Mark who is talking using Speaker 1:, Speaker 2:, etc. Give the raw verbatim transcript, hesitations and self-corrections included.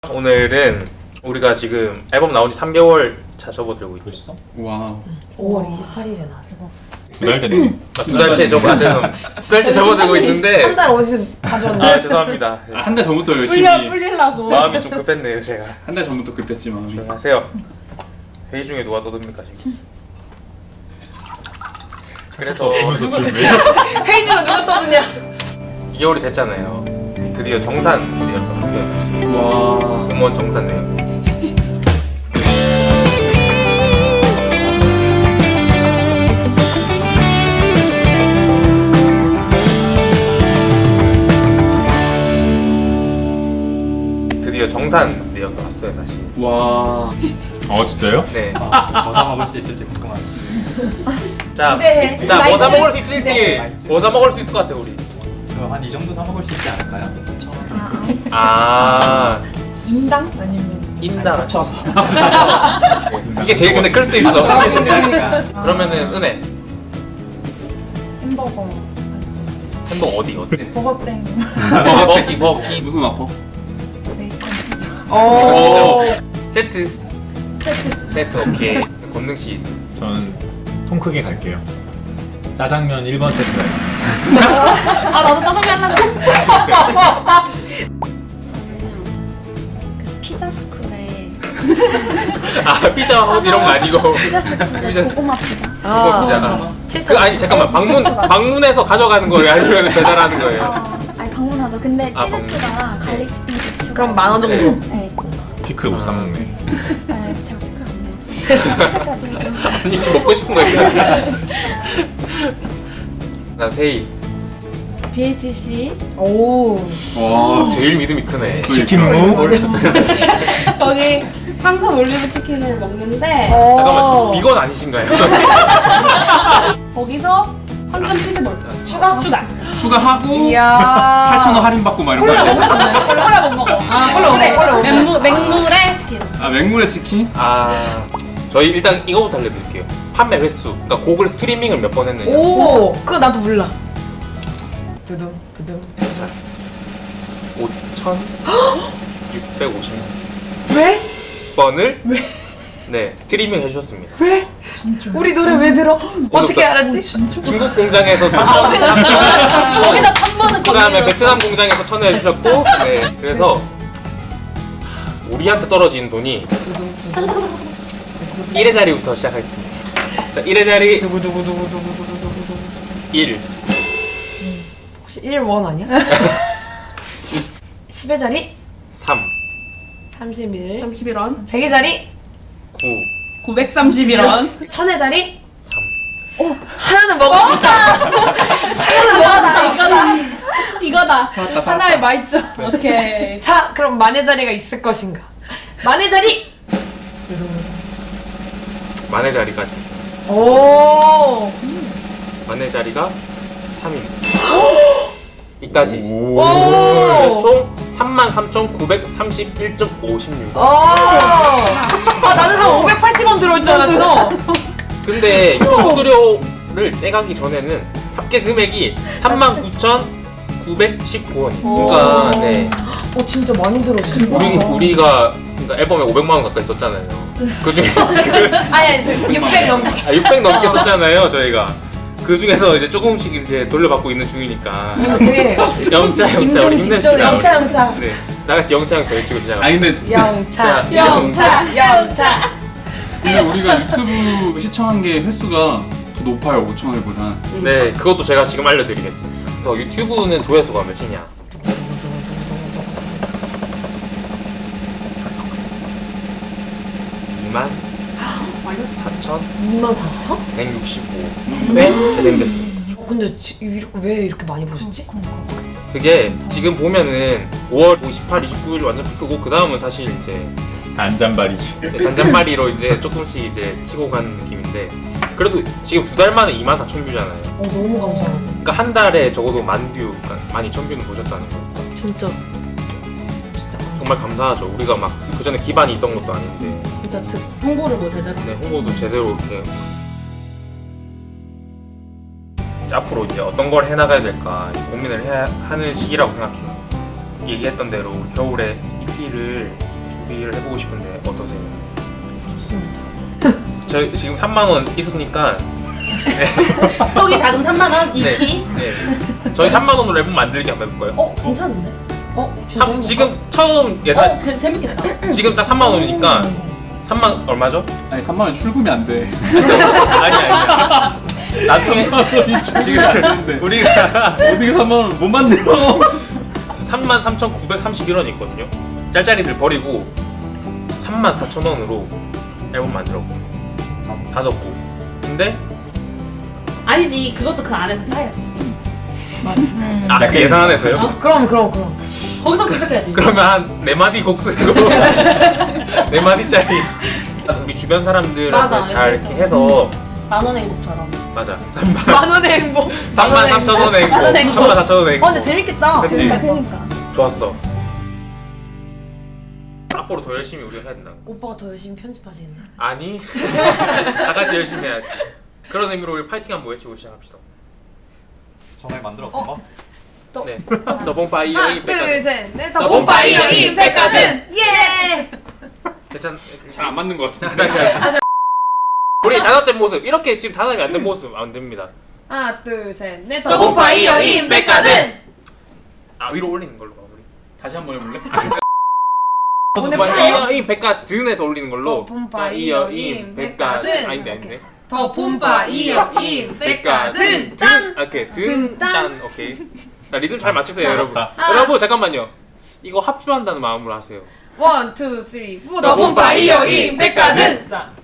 Speaker 1: 오늘은 우리가 지금 앨범 나온 지 삼 개월 차 접어들고 있죠.
Speaker 2: 벌써?
Speaker 3: 와.
Speaker 4: 오월 이십팔일에 나왔죠.
Speaker 2: 두 달 됐네.
Speaker 1: 아, 두 달째 접어, 아, 죄송. 두 달째 접어들고 있는데.
Speaker 4: 한 달 어디서 가져왔네.
Speaker 1: 아, 죄송합니다. 네.
Speaker 3: 한 달 전부터 열심히.
Speaker 4: 풀려 풀리려고.
Speaker 1: 마음이 좀 급했네요, 제가.
Speaker 3: 한 달 전부터 급했지 마음이.
Speaker 1: 조용하세요. 회의 중에 누가 떠듭니까 지금? 그래서
Speaker 4: 회의 중에 누가 떠드냐?
Speaker 1: 이 개월이 됐잖아요. 드디어 정산 내역 왔어요. 지금.
Speaker 3: 와.
Speaker 1: 공무원 정산 내역. 드디어 정산 내역이 왔어요, 사실.
Speaker 3: 와.
Speaker 2: 어 진짜요?
Speaker 1: 네.
Speaker 2: 뭐 사 먹을 수 있을지 궁금하네.
Speaker 1: 자,
Speaker 4: 기대해.
Speaker 1: 자, 뭐 사
Speaker 4: 라이트.
Speaker 1: 먹을 수 있을지,
Speaker 4: 네.
Speaker 1: 뭐 사 먹을 수 있을 것 같아 우리.
Speaker 2: 한 이 정도 사 먹을 수 있지 않을까요?
Speaker 1: 아,
Speaker 4: 인당 아니면
Speaker 1: 인당.
Speaker 2: 합쳐서.
Speaker 1: 이게 제일 근데 클 수 있어.
Speaker 2: 그러니까.
Speaker 1: 그러면은 은혜.
Speaker 4: 햄버거.
Speaker 1: 햄버거 어디 어디?
Speaker 4: 버거땡.
Speaker 1: 먹기 먹기.
Speaker 3: 무슨 아파?
Speaker 4: 베이컨.
Speaker 1: 오. 세트.
Speaker 4: 세트.
Speaker 1: 세트 오케이. 권능 씨.
Speaker 2: 저는 통 크게 갈게요. 짜장면 일 번 세트가 있습니다.
Speaker 4: 아 나도 짜장면 하려고.
Speaker 5: 그 피자 스쿨에
Speaker 1: 아 피자 헛 이런 거 아니고.
Speaker 5: 피자 스쿨에
Speaker 1: 피자 스-
Speaker 5: 고구마 피자
Speaker 1: 그거 피자.
Speaker 4: 칠천.
Speaker 1: 그 아니 잠깐만 방문 방문해서 가져가는 거예요 아니면 배달하는 거예요?
Speaker 5: 어, 아니 방문하죠. 근데
Speaker 1: 아,
Speaker 5: 치즈
Speaker 1: 방문.
Speaker 5: 추가랑 갈릭 스프링 추가
Speaker 4: 그럼 만 원 정도.
Speaker 5: 네.
Speaker 2: 피클 못 사 먹네.
Speaker 5: 네, 제가 피클 안 먹었어요. 피클까지 해서
Speaker 1: 아니 지금 먹고 싶은 거 있어요. 그다음 세이.
Speaker 6: 비에이치씨
Speaker 4: 오.
Speaker 3: 와.
Speaker 1: 제일 믿음이 크네.
Speaker 2: 치킨무.
Speaker 6: 거기 황금 올리브 치킨을 먹는데
Speaker 1: 잠깐만 지금 비건 아니신가요?
Speaker 6: 거기서 황금 치즈 볼
Speaker 4: 추가?
Speaker 6: 추가
Speaker 3: 추가하고
Speaker 4: 이야.
Speaker 3: 팔천 원 할인 받고 막 이런
Speaker 4: 콜라
Speaker 3: 거.
Speaker 4: 먹을 수 있나요?
Speaker 6: 콜라 못 먹어 아 콜라
Speaker 4: 그래, 콜라 못
Speaker 6: 맹무, 맹물에 치킨
Speaker 3: 아 맹물의 치킨?
Speaker 1: 아 저희 일단 이거부터 알려드릴게요. 판매 횟수. 그러니까 곡을 스트리밍을 몇 번 했느냐.
Speaker 4: 오. 그거 나도 몰라. 두둥 두둥.
Speaker 1: 오천육백오십
Speaker 4: 왜?
Speaker 1: 번을
Speaker 4: 왜?
Speaker 1: 네 스트리밍 해주셨습니다.
Speaker 4: 왜? 우리 노래 왜 들어? 어떻게 알았지?
Speaker 1: 중국 공장에서 삼천, 삼천
Speaker 6: 거기서 삼 번은
Speaker 1: 그 다음에 베트남 공장에서 천 원 해주셨고 네 그래서 우리한테 떨어진 돈이 일 회 자리부터 시작하겠습니다. 자 일 회 자리
Speaker 4: 두구두구두구두구두구두구.
Speaker 1: 일
Speaker 4: 혹시 일 원 아니야? 십의 자리
Speaker 1: 삼
Speaker 4: 삼십일.
Speaker 6: 삼십일 원
Speaker 4: 백의 자리
Speaker 1: 구
Speaker 6: 구백삼십일 원
Speaker 4: 천의 자리
Speaker 1: 삼
Speaker 4: 하나는 먹을 수 있다. 하나는 먹을 수 있다.
Speaker 6: 이거다 이거다
Speaker 3: 살았다
Speaker 6: 하나의
Speaker 3: 살았다.
Speaker 6: 맛있죠 오케이
Speaker 4: 자, 그럼 만의 자리가 있을 것인가? 만의 자리.
Speaker 1: 만의 자리까지 있습니다.
Speaker 4: 오.
Speaker 1: 만의 자리가 삼입니다. 이까지
Speaker 2: 오.
Speaker 1: 그래서
Speaker 4: 오.
Speaker 1: 총 삼만 삼천구백삼십일 점 오십육
Speaker 4: 오. 아 나는 한 오백팔십 원 들어올 줄 알았어.
Speaker 1: 근데 유튜브 수수료를 떼가기 전에는 합계 금액이 삼만 구천구백십구 원이에요. 그러니까 네
Speaker 4: 오 진짜 많이 들어주네.
Speaker 1: 우리 우리가 그러니까 앨범에 오백만 원 가까이 썼잖아요. 그 중에 지금
Speaker 4: 아니 아니 저 육백 넘게.
Speaker 1: 아, 육백 넘게 썼잖아요 저희가. 그 중에서 이제 조금씩 이제 돌려받고 있는 중이니까.
Speaker 4: 되게
Speaker 1: 영차 영차 우리 힘냅시다.
Speaker 4: 영차 영차
Speaker 1: 네 나같이 영차 영차 외치고 시작합니다.
Speaker 3: 아니 근데
Speaker 4: 영차
Speaker 1: 자,
Speaker 4: 영차 영차.
Speaker 3: 근데 우리가 유튜브 시청한 게 횟수가 더 높아요 오천 회보다.
Speaker 1: 네 그것도 제가 지금 알려드리겠습니다. 그래서 유튜브는 조회수가 몇이냐? 이만 사천
Speaker 4: 이만 사천?
Speaker 1: 백육십오 회 재생됐습니다.
Speaker 4: 어 근데 지, 이렇게, 왜 이렇게 많이 보셨지?
Speaker 1: 그게 지금 보면은 오월 이십팔, 이십구 일 완전 피크고 그 다음은 사실 이제
Speaker 2: 안잔바리지.
Speaker 1: 잔잔바리로 이제 조금씩 이제 치고 가는 느낌인데 그래도 지금 두 달 만에 이만 사천 뷰잖아요.
Speaker 4: 어 너무 감사합니다.
Speaker 1: 그러니까 한 달에 적어도 만 뷰, 그러니까 만 이천 뷰는 보셨다는 거니까
Speaker 4: 진짜 진짜
Speaker 1: 정말 감사하죠. 우리가 막 그 전에 기반이 있던 것도 아닌데
Speaker 4: 진짜 특.
Speaker 6: 홍보를 뭐 제대로
Speaker 1: 네, 홍보도 제대로 이렇게 이제 앞으로 이제 어떤 걸 해나가야 될까 고민을 해야 하는 시기라고 생각해요. 얘기했던 대로 겨울에 이피를 준비를 해보고 싶은데 어떠세요? 저 지금 삼만 원 있으니까
Speaker 6: 저기 자금 삼만 원,
Speaker 1: 네.
Speaker 6: 이피.
Speaker 1: 네. 저희 삼만 원으로 앨범 만들기 한번 해볼까요?
Speaker 6: 어, 괜찮은데?
Speaker 4: 어?
Speaker 1: 삼, 지금 처음 예산
Speaker 6: 어, 괜 재밌겠다.
Speaker 1: 지금 딱 삼만 원이니까 삼만 얼마죠?
Speaker 3: 아니 삼만 원 출금이 안 돼.
Speaker 1: 아니 아니야. 나중에
Speaker 3: 삼만 원이 출금이 안 되는데
Speaker 1: 우리가
Speaker 3: 어떻게 삼만 원을 못 만들어?
Speaker 1: 삼만 삼천구백삼십일 원이 있거든요. 짤짤이들 버리고 삼만 사천 원으로 앨범 만들었고 다섯 곡. 근데
Speaker 6: 아니지, 그것도 그 안에서 짜야지.
Speaker 1: 아, 그 예산 안에서요?
Speaker 4: 그럼 그럼 그럼.
Speaker 6: 거기서부터 시작해야지.
Speaker 1: 그러면 한 네 마디 곡 쓰고 네 마디짜리 우리 주변 사람들한테
Speaker 6: 맞아,
Speaker 1: 잘
Speaker 6: 그래서.
Speaker 1: 이렇게 해서
Speaker 6: 만 원의 행복처럼.
Speaker 1: 맞아 삼만
Speaker 4: 만 원의 행복.
Speaker 1: 삼만 삼천 원의
Speaker 6: 만 원의
Speaker 1: 행복
Speaker 6: 행복.
Speaker 1: 삼만 사천 원의
Speaker 4: 어 근데
Speaker 1: 행복
Speaker 4: 재밌겠다.
Speaker 1: 그치?
Speaker 5: 그러니까 그러니까.
Speaker 1: 좋았어. 앞으로 더 열심히 우리가 해야 된다.
Speaker 4: 오빠가 더 열심히 편집하시겠네.
Speaker 1: 아니 다 같이 열심히 해야지. 그런 의미로 우리 파이팅 한번 외치고 시작합시다.
Speaker 2: 전에 만들었던 거?
Speaker 1: 네. 더봉파이어
Speaker 4: 하나
Speaker 1: 이 백화점.
Speaker 4: 둘셋넷
Speaker 1: 더
Speaker 4: 더본파이어
Speaker 1: 이
Speaker 4: 이 백화점 예.
Speaker 1: 괜찮?
Speaker 3: 잘 안 맞는 것 같은데.
Speaker 1: 다시 할게요. 우리 단합된 모습 이렇게 지금 단합이 안 된 모습 안 됩니다.
Speaker 4: 하나 둘셋넷
Speaker 1: 더본파이어
Speaker 4: 더본파이어
Speaker 1: 이
Speaker 4: 이
Speaker 1: 백화점.
Speaker 4: 백화점
Speaker 1: 아 위로 올리는 걸로 가 우리.
Speaker 3: 다시 한번 해볼래?
Speaker 4: 오늘
Speaker 1: 더봉파이어 이 백화점에서 올리는 걸로.
Speaker 4: 더본파이어
Speaker 1: 이
Speaker 4: 이
Speaker 1: 백화점.
Speaker 4: 백화점.
Speaker 1: 아닌데 아닌데.
Speaker 4: 더본파이어 이 백화점 짠.
Speaker 1: 짠. 오케이
Speaker 4: 든, 짠.
Speaker 1: 든짠 오케이. 자 리듬 잘 맞추세요
Speaker 4: 짠.
Speaker 1: 여러분.
Speaker 2: 아.
Speaker 1: 여러분 잠깐만요. 이거 합주한다는 마음으로 하세요.
Speaker 4: 원, 투, 쓰리, 포
Speaker 1: 더본파이어 이 백화점.
Speaker 4: 짠.